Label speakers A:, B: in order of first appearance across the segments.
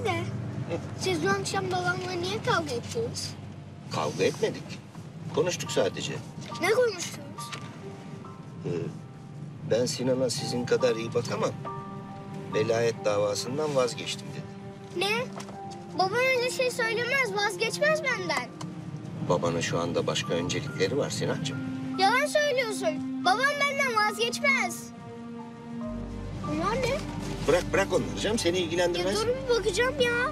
A: de siz dün akşam babamla niye kavga ettiniz?
B: Kavga etmedik. Konuştuk sadece.
A: Ne konuştunuz?
B: Ben Sinan'a sizin kadar iyi bakamam. Velayet davasından vazgeçtim dedi.
A: Ne? Babam öyle şey söylemez, vazgeçmez benden.
B: Babanın şu anda başka öncelikleri var Sinancığım.
A: Yalan söylüyorsun. Babam benden vazgeçmez. Bunlar ne?
B: Bırak onları canım, seni
A: Ya
B: ilgilendirmez.
A: dur bir bakacağım ya.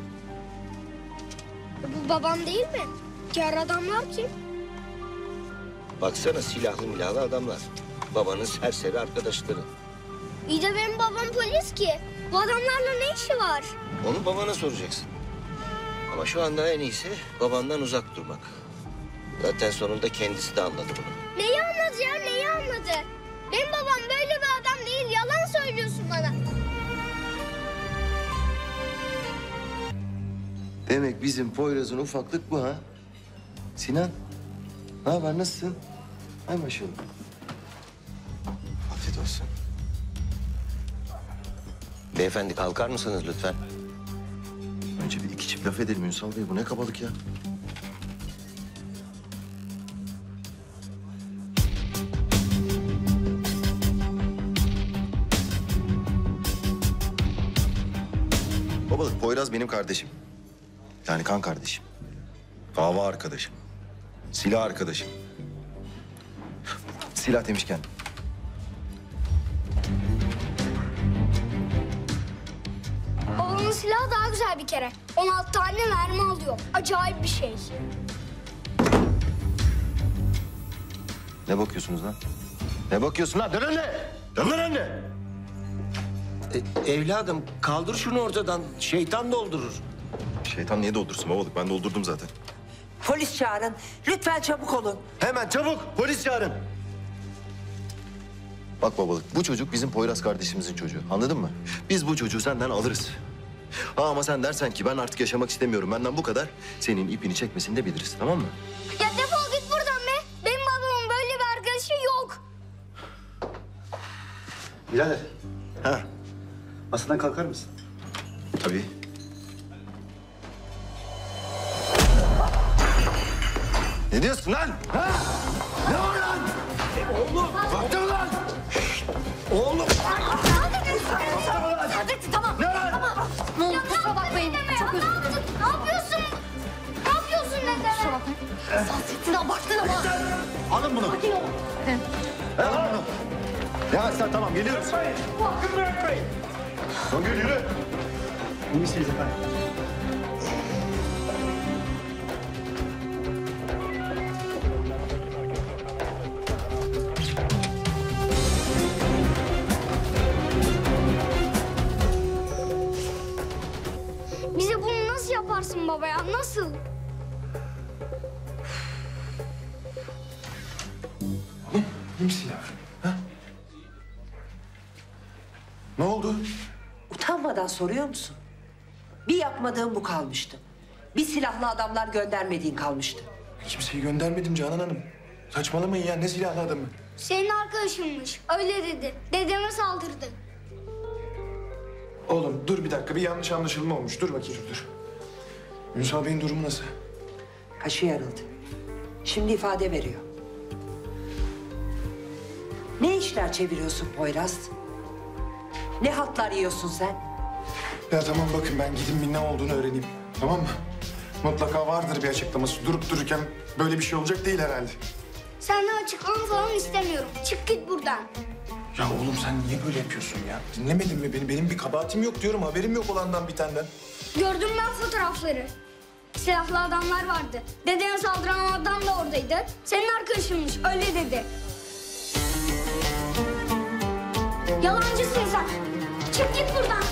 A: Bu babam değil mi? Diğer adamlar kim?
B: Baksana, silahlı milahlı adamlar. Babanın serseri arkadaşları.
A: İyi de benim babam polis ki. Bu adamlarla ne işi var?
B: Onu babana soracaksın. Ama şu anda en iyisi babandan uzak durmak. Zaten sonunda kendisi de anladı bunu.
A: Neyi anladı ya, neyi anladı? Benim babam böyle bir adam değil, yalan söylüyorsun bana.
C: Demek bizim Poyraz'ın ufaklık bu ha? Sinan, ne haber, nasılsın? Hay maşallah. Afiyet olsun.
B: Beyefendi kalkar mısınız lütfen?
C: Önce bir iki çift laf edelim Ünsal Bey. Bu ne kabalık ya? Babalık, Poyraz benim kardeşim. Yani kan kardeşim. Dava arkadaşım. Silah arkadaşım. Silah demişken.
A: Babamın silahı daha güzel bir kere. 16 tane mermi alıyor. Acayip bir şey.
C: Ne bakıyorsunuz lan? Ne bakıyorsun lan? Dön önüne! Dön lan önüne!
B: Evladım kaldır şunu ortadan. Şeytan doldurur.
C: Şeytan niye doldursun babalık? Ben doldurdum zaten.
D: Polis çağırın. Lütfen çabuk olun.
C: Hemen çabuk polis çağırın. Bak babalık, bu çocuk bizim Poyraz kardeşimizin çocuğu. Anladın mı? Biz bu çocuğu senden alırız. Ama sen dersen ki ben artık yaşamak istemiyorum, benden bu kadar. Senin ipini çekmesini de biliriz, tamam mı?
A: Ya defol git buradan be. Benim babamın böyle bir arkadaşı yok.
E: Birader,
C: Ha,
E: masadan kalkar mısın?
C: tabii. Ne diyorsun lan? Ha? Ne var lan? Oğlum, baktın lan! Oğlum!
A: Saadettin tamam.
C: Ne var?
A: Tamam. Ne oldu? Kusura bakmayın. Çok özür dilerim. Ne yapıyorsun? Ne yapıyorsun dedeme? Kusura bakmayın. Saadettin abarttın ama.
C: Alın bunu.
A: Sakin ol.
C: Alın bunu. Ya sen tamam, geliyoruz.
E: Hakkını bırakmayın.
C: Songül yürü.
E: İyi misiniz efendim?
A: Bize bunu nasıl yaparsın baba ya? Nasıl?
C: İyi misin yavrum? Ha? Ne oldu?
D: Utanmadan soruyor musun? Bir yapmadığın bu kalmıştı. Bir silahlı adamlar göndermediğin kalmıştı.
F: Kimseyi göndermedim Canan Hanım. Saçmalamayın ya, ne silahlı adamı?
A: Senin arkadaşınmış. Öyle dedi. Dedeme saldırdı.
F: Oğlum dur bir dakika, bir yanlış anlaşılma olmuş. Dur bakayım, dur. Ünsal Bey'in durumu nasıl?
D: Kaşı yarıldı. Şimdi ifade veriyor. Ne işler çeviriyorsun Poyraz? Ne haltlar yiyorsun sen?
F: Ya tamam, bakın ben gideyim bir ne olduğunu öğreneyim. Tamam mı? Mutlaka vardır bir açıklaması. Durup dururken böyle bir şey olacak değil herhalde.
A: Senden açıklama falan istemiyorum. Çık git buradan.
F: Ya oğlum sen niye böyle yapıyorsun ya? Dinlemedin mi beni? Benim bir kabahatim yok diyorum. Haberim yok olandan bitenden.
A: Gördüm ben fotoğrafları. Silahlı adamlar vardı. Dedene saldıran adam da oradaydı. Senin arkadaşınmış. Öyle dedi. Yalancısın sen. Çık git buradan.